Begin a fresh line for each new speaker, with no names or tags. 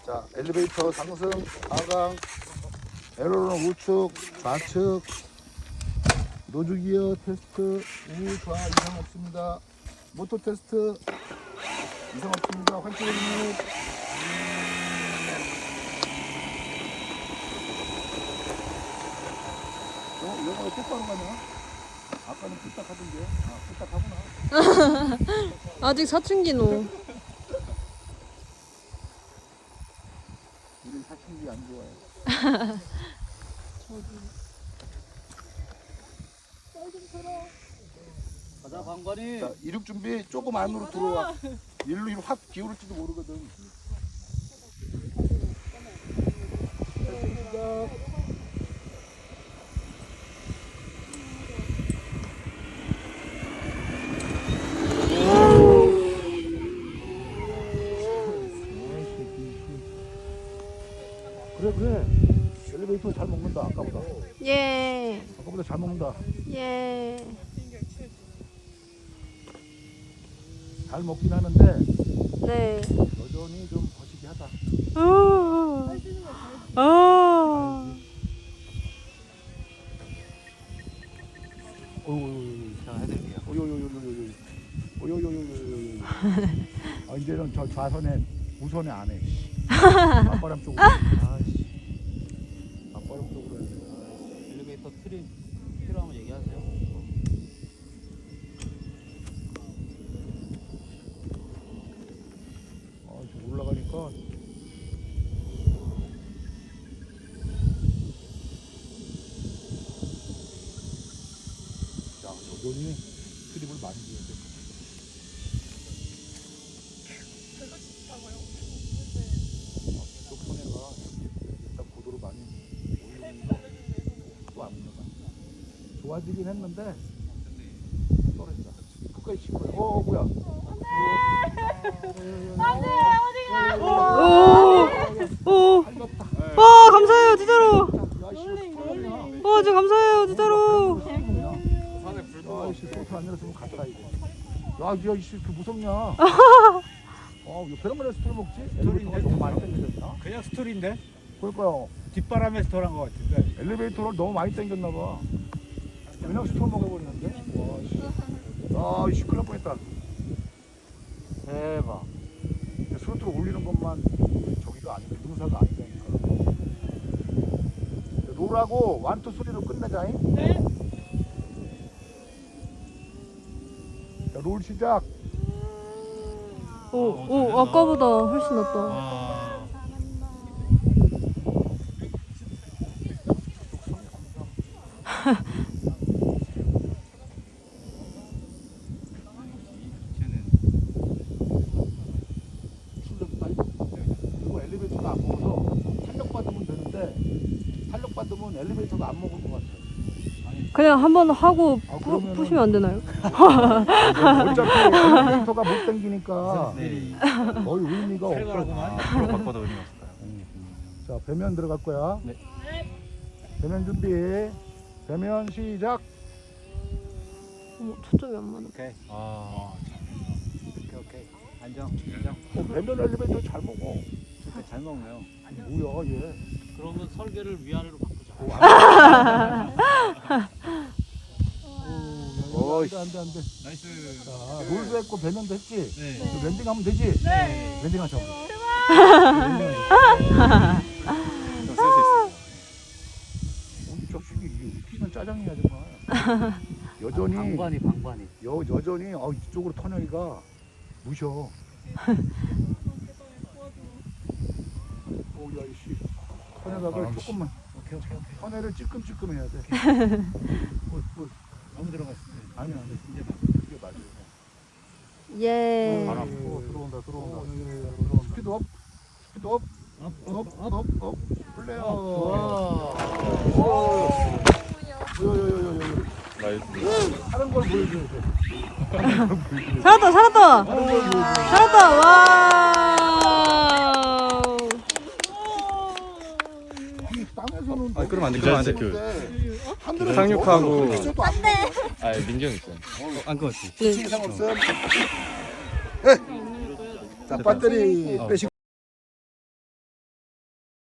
자, 엘리베이터 상승, 하강, 에어로는 우측, 좌측, 노즈기어 테스트, 우, 좌 이상 없습니다. 모터 테스트 이상 없습니다. 환기 중립. 영어가 똑바로 가냐? 아까는 삐딱 하던데. 아, 삐딱 하구나.
아직 사춘기노.
우린 사춘기 안 좋아해.
가자 방관이.
자, 이륙 준비 조금 안으로 들어와. 일로 확 기울을지도 모르거든. 그래. 엘리베이터 잘 먹는다. 아까보다.
예.
아까보다 잘 먹는다.
예.
잘 먹긴 하는데
네.
여전히 좀 거시기하다.
제가 해드릴게요.
아, 이제는 저 좌선에 우선에 안 해. 앞바람 쪽으로. 아씨. 앞바람 쪽으로 해.
엘리베이터 트림 필요하면 얘기하세요.
아, 좀 올라가니까. 자, 여전히 트립을 많이 줘야 돼. 손해가 일단 고도로 많이 올리면서 또 안 올라가. 좋아지긴 했는데 떨어진다. 끝까지 친 거야. 뭐야?
오.
살렸다.
와, 감사해요, 진짜로.
야씨,
와, 진짜 감사해요, 진짜로.
야씨, 소트 안 내렸으면 갔다 이거. 야, 이씨, 그 무섭냐? 이거 베란다에 스토리 먹지? 엘리베이터가 너무 많이 당겨졌나?
그냥 스토리인데
그러니까요.
뒷바람에 스토리한 것 같은데.
엘리베이터를 너무 많이 당겼나 봐. 그냥 스토리 먹어버리는데? 와, 씨. 아, 이씨, 큰일 날 뻔했다.
대박.
스로틀 올리는 것만 저기가 아니고 능사가 아니라니까. 롤하고 완투 소리로 끝내자잉. 네. 자, 롤 시작.
오, 아까보다 훨씬 낫다.
그리고 엘리베이터가 안 먹어서 탄력 받으면 되는데 탄력 받으면 엘리베이터가 안 먹을 것 같아.
그냥 한번 하고
그러면은-
푸시면 안 되나요?
어차피 엘리베이터가 못 당기니까 거의 의미가 없어.
살벌하구만.
앞으로 바꿔도 의미가 없을까요?
자, 배면 들어갈 거야.
네.
배면 준비. 배면 시작.
어머, 초점이 안 맞아.
오케이. 오케이. 안정.
배면 엘리베이터 잘 먹어.
진짜 잘 먹네요.
아니 뭐야 얘.
그러면 설계를 위아래로 바꾸자.
안돼.
나이스.
자, 롤도 했고 배면도 했지.
네.
또 랜딩하면 되지.
네.
랜딩하자. 우리 접식이 이게 웃기는 짜장이야 정말. 여전히
방관이.
여전히 이쪽으로 터널이가 무셔. 오야 이씨. 터널각을 조금만.
오케이.
터널을 찔끔찔끔 해야 돼.
너무 들어갔어.
아니야, 이제 이게 맞아.
예.
바로 앞으로 들어온다. 스피드업. 업. 플레이어. 다른 걸 보여줘야 돼.
살았다. 와.
땅에서는
그럼 안 돼. 그럼 안 돼.
상륙하고
민경 있어요.
안 끊었지.
이상 없음. 자, 배터리 빼시고.